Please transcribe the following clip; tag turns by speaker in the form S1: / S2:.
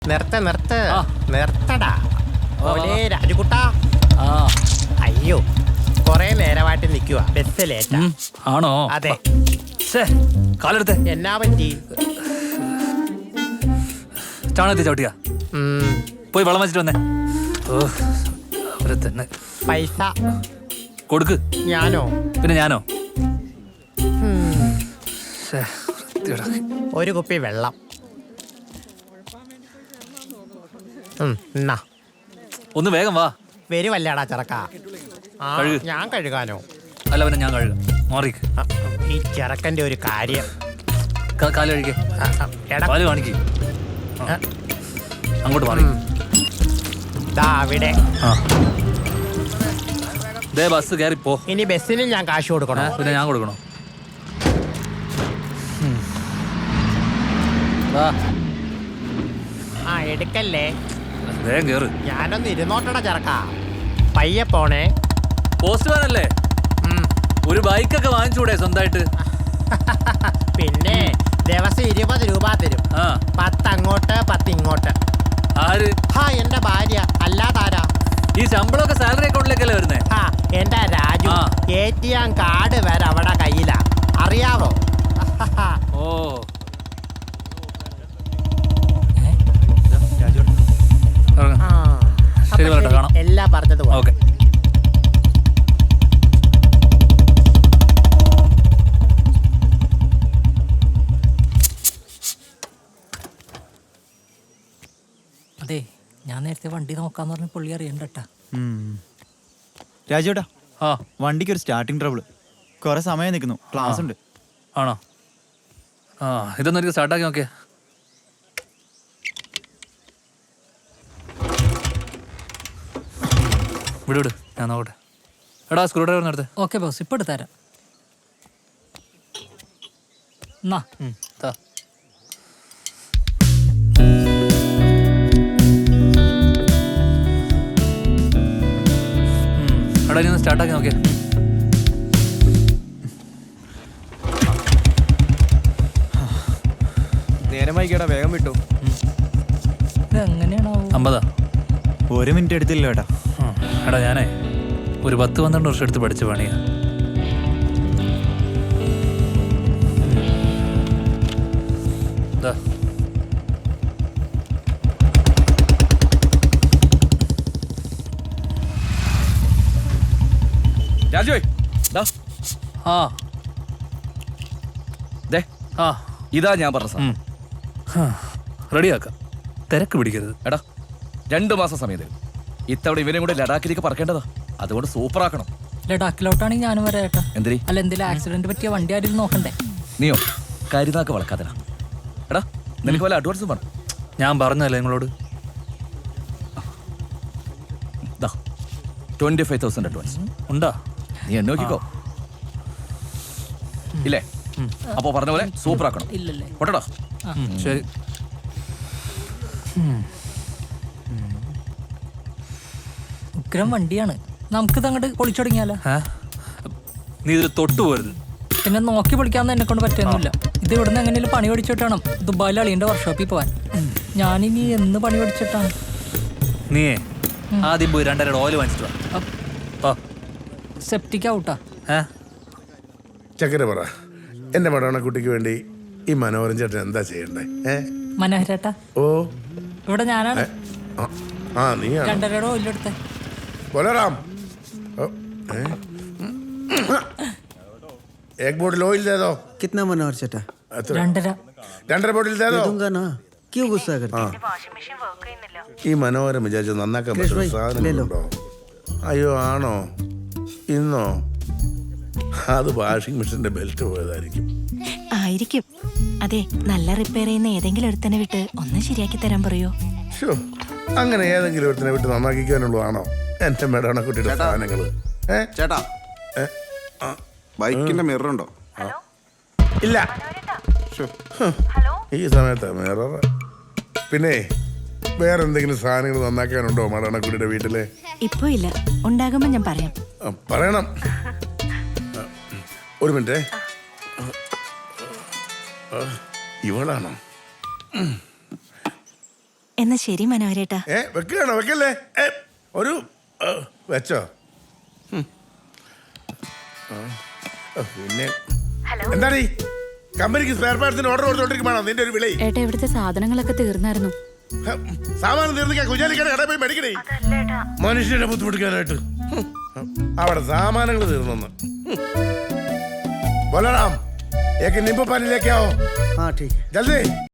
S1: നിർത്തടാ രാജുകുട്ടാ. അയ്യോ കൊറേ നേരമായിട്ട് നിൽക്കുക, ബസ് ലേറ്റാ.
S2: ആണോ?
S1: അതെ.
S2: കാലെടുത്ത്
S1: എന്നാ പറ്റി?
S2: ചാണകത്തി ചവിട്ടിയാ? പോയി വെള്ളം വെച്ചിട്ട് വന്നേ. അവരെ തന്നെ
S1: പൈസ
S2: കൊടുക്ക്.
S1: ഞാനോ?
S2: പിന്നെ ഞാനോ?
S1: ഒരു കുപ്പി വെള്ളം.
S2: ഒന്ന് വേഗം വാ.
S1: വരുവല്ലേടാ ചെറുക്ക. ഞാൻ കഴുകാനോ?
S2: അല്ല പിന്നെ ഞാൻ കഴുകാം. മാറിക്ക്.
S1: ഈ ചെറുക്കന്റെ ഒരു കാര്യം.
S2: കാല് കഴിക്കേ. കാല് കാണിക്ക്. അങ്ങോട്ട് മാറി.
S1: അവിടെ
S2: ബസ് കയറി പോ.
S1: ഇനി ബസ്സിന് ഞാൻ കാശ് കൊടുക്കണോ?
S2: പിന്നെ ഞാൻ കൊടുക്കണോ?
S1: എടുക്കല്ലേ.
S2: വേഗം കേറ്.
S1: ഞാനൊന്ന് ഇരുന്നോട്ടടാ ചെറുക്ക. പയ്യെ പോണേ.
S2: പോസ്റ്റ്മാൻ അല്ലേ? ഒരു ബൈക്കൊക്കെ വാങ്ങിച്ചൂടെ സ്വന്തമായിട്ട്?
S1: പിന്നെ ദിവസം 20 രൂപ തരും. 10 അങ്ങോട്ട് 10 ഇങ്ങോട്ട്.
S2: ആര്?
S1: എന്റെ ഭാര്യ. അല്ലാതാരാ?
S2: ഈ ശമ്പളമൊക്കെ സാലറി അക്കൗണ്ടിലേക്കല്ലേ വരുന്നേ?
S1: എന്റെ രാജു. ATM കാർഡ് വരെ അവിടെ കയ്യിലാ, അറിയാവോ?
S2: ഓ ശരി, കാണാം.
S1: എല്ലാം പറഞ്ഞത്
S2: ഓക്കെ.
S3: അതെ, ഞാൻ നേരത്തെ വണ്ടി നോക്കാന്ന് പറഞ്ഞ പുള്ളി അറിയണ്ടട്ടാ.
S4: രാജുവേട്ടാ, വണ്ടിക്ക് ഒരു സ്റ്റാർട്ടിങ് ട്രബിൾ. കുറെ സമയം നിൽക്കുന്നു, ക്ലാസ് ഉണ്ട്.
S2: ആണോ? ഇതൊന്നും എനിക്ക് സ്റ്റാർട്ടാക്കി നോക്കിയേ. വിട്, ഞാൻ നോക്കട്ടെ. എടാ സ്ക്രൂ ഡ്രൈവർ നടത്ത്.
S3: ഓക്കെ ബോസ്, ഇപ്പൊ എടുത്തരാം.
S2: എടാ ഇനി ഒന്ന് സ്റ്റാർട്ടാക്കി നോക്കിയേ.
S5: നേരമായി കേടാ, വേഗം വിട്ടു.
S3: എങ്ങനെയാണോ?
S2: 50.
S4: 1 മിനിറ്റ് എടുത്തില്ല കേട്ടാ.
S2: എടാ ഞാനേ ഒരു 10-12 വർഷം എടുത്ത് പഠിച്ച പണിയാ.
S5: രാജു ഇതാ ഞാൻ പറഞ്ഞ സാധനം.
S2: റെഡിയാക്കാം, തിരക്ക് പിടിക്കരുത്.
S5: എടാ 2 മാസം സമയം തരും. ഇത്തവണ ഇവനും കൂടെ ലഡാക്കിലേക്ക് പറക്കേണ്ടതാ. അതുകൊണ്ട് സൂപ്പർ ആക്കണം.
S3: ലഡാക്കിലോട്ടാണെങ്കിൽ ഞാനും വരാം ഏട്ടാ.
S5: എന്തിരി?
S3: അല്ല, എന്തെങ്കിലും ആക്സിഡന്റ് പറ്റിയ വണ്ടി ആരും നോക്കണ്ടേ?
S5: നീയോ കരുതാക്ക് വളക്കാതടാ. എടാ നിനക്ക് വല്ല അഡ്വാൻസും വേണം?
S2: ഞാൻ പറഞ്ഞല്ലേ നിങ്ങളോട്.
S5: 25,000 അഡ്വാൻസ്
S2: ഉണ്ടാ?
S5: നീ എന്നെ നോക്കിക്കോ. ഇല്ലേ? അപ്പോ പറഞ്ഞ പോലെ സൂപ്പർ ആക്കണം.
S3: ഇല്ലല്ലേ?
S5: പൊട്ടടാ.
S2: ശരി.
S3: ഉഗ്രം വണ്ടിയാണ്. നമുക്കിത് അങ്ങോട്ട് പൊളിച്ചു തുടങ്ങിയാലോ?
S2: നീ ഇതിൽ തൊട്ടു പോരുത്.
S3: പിന്നെ നോക്കി പൊളിക്കാന്ന് എന്നെ കൊണ്ട് പറ്റുന്നില്ല. ഇത് ഇവിടുന്ന് എങ്ങനെയും പണി പഠിച്ചിട്ട് വേണം ദുബായിൽ അളിയന്റെ വർക്ക്ഷോപ്പിൽ പോവാൻ. ഞാനിനി എന്ന് പണി പഠിച്ചിട്ടാണ്?
S2: നീയേ ആദ്യം പോയി 2.5 ഓയിൽ വാങ്ങിച്ചിട്ട് വാ.
S3: സെപ്റ്റിക് ഔട്ടാ.
S6: ചക്കര പറ, എന്റെ മടവണക്കുട്ടിക്ക് വേണ്ടി ഈ മനോഹരൻ ചേട്ടൻ എന്താ ചെയ്യണ്ടേ?
S3: മനോഹരേട്ടാ,
S6: ഓ
S3: ഇവിടെ ഞാനാണ്.
S6: നീ
S3: 2.5 ഓയിലെടുത്തേ.
S6: बोलाराम एक बोतल ऑयल दे दो.
S7: कितना मनोहर चटा?
S6: 2.5 बोतल दे दो.
S7: दूंगा ना, क्यों गुस्सा करते?
S6: ഈ മനോഹരം വിചാരിച്ചു നന്നാക്കാൻ പറ്റുന്ന സാധനങ്ങളുണ്ടോ? അയ്യോ ആണോ? ഇന്നോ? അത് വാഷിംഗ് മെഷീന്റെ ബെൽറ്റ് പോയതായിരിക്കും.
S8: ആയിരിക്കും. അതെ, നല്ല റിപ്പയർ ചെയ്യുന്ന ഏതെങ്കിലും ഒരുത്തനെ വിട്ട് ഒന്ന് ശരിയാക്കി തരാൻ പറയോ?
S6: അങ്ങനെ ഏതെങ്കിലും ഒരുത്തനെ വിട്ട് നന്നാക്കിക്കാനുള്ളതാണോ എന്റെ മേടണക്കുട്ടിയുടെ സാധനങ്ങള്?
S9: ചേട്ടാ, ബൈക്കിന്റെ മിറർ ഉണ്ടോ?
S6: ഇല്ല. ഈ സമയത്ത് മിറർ. പിന്നെ വേറെ എന്തെങ്കിലും സാധനങ്ങൾ നന്നാക്കാനുണ്ടോ മേടണക്കുട്ടിയുടെ വീട്ടില്?
S8: ഇപ്പൊ ഇല്ല, ഉണ്ടാകുമ്പോ ഞാൻ പറയാം.
S6: പറയണം. ഒരു മിനിറ്റ്. ഇവളാണോ?
S8: എന്നാ ശരി മനോഹരേട്ടാ.
S6: വെക്കുകയാണോ? വെക്കല്ലേ. ഒരു വെച്ചോ. പിന്നെ എന്താണ് ഈ കമ്പനിക്ക് സ്പെയർ പാർട്സിന് ഓർഡർ കൊടുത്തോണ്ടിരിക്കുവാണോ നിന്റെ ഒരു വിളി?
S9: ഏട്ടാ ഇവിടുത്തെ സാധനങ്ങളൊക്കെ തീർന്നായിരുന്നു.
S6: സാമാനം തീർന്നിക്കാൻ കുഞ്ഞാലിക്കാട് കടയിൽ പോയി മേടിക്കണേ. മനുഷ്യനെ ബുദ്ധിമുട്ടിക്കാനായിട്ട് അവിടെ സാമാനങ്ങൾ തീർന്നു. ബോലറാം, एक नींबू पानी लेके आओ.
S7: हाँ ठीक है.
S6: जल्दी.